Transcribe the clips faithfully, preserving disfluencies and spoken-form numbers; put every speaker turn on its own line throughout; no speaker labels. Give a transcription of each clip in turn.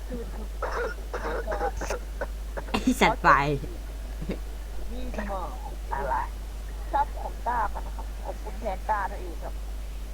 คือคือ
ไอสัตว์ไป
นี่มา
อะไร
ซับของต้ากันนะครับขอบคุณแทนต้านั่นเองครับ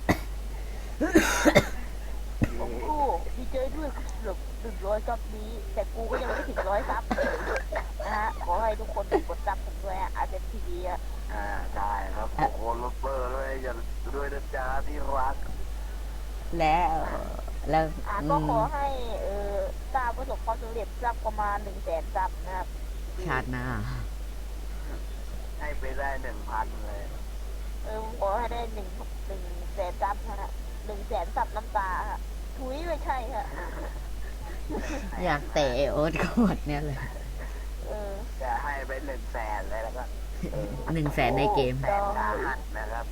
ผมกูดีใจด้วยกูเกือบหนึ่งร้อยซับนี้ แต่กูก็ยังไม่ถึงร้อยซับเลยนะฮะขอให้ทุกคนกดซับผมด้วยอ่ะอาเซนทีวีอ่ะ
อ่าได้ครับโอ้โหลบเบอร์ด้วยอย่าด้วยนะจ๊ะที่รัก
แล้วแล้ว
อ่ะ
อื
ก็
ม
ขอให้เออต้าประสบความสำเร็จซับประมาณหนึ่งแสนซับนะครับ
ชาติหน้า
ให้ไปได้หนึ่งพันเลย
เออขอให้ได้หนึ่งหนึ่งแสนซับฮะหนึ่งแสนซับน้ำตาฮะถุยไม่ใช่ฮะ
อยากเตะโอ๊ตก็หมดเนี่ยเลย
เออ
จะให้ไปหนึ่งแสนเลยแล้วก็เออ
หนึ่งแสนในเกม
แสนสาหัสนะครับ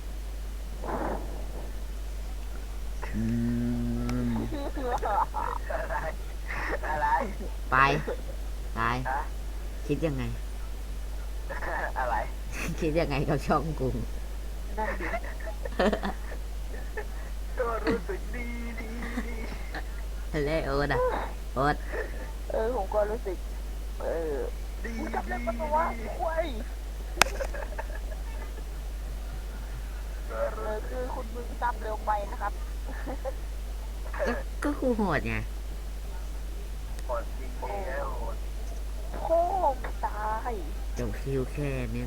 อืม
อะไรอะไร
ไปตาย
ฮะ
คิดยังไง
อะไร
คิดยังไงกับช่องกู
นั่นดิ
ก็รู้สึกดีดีดี
เล่โอ๊ตอะโอ๊ต
เออผมก็รู้สึก เออ
ดี
มึงจำได้ปะวะควายเออคือคุณมึงซับเร็วไปนะครับ
ก็ก็กูโหดไง
หมดจริงๆแล้ว
โค้งตาย
จบคิวแค่นี้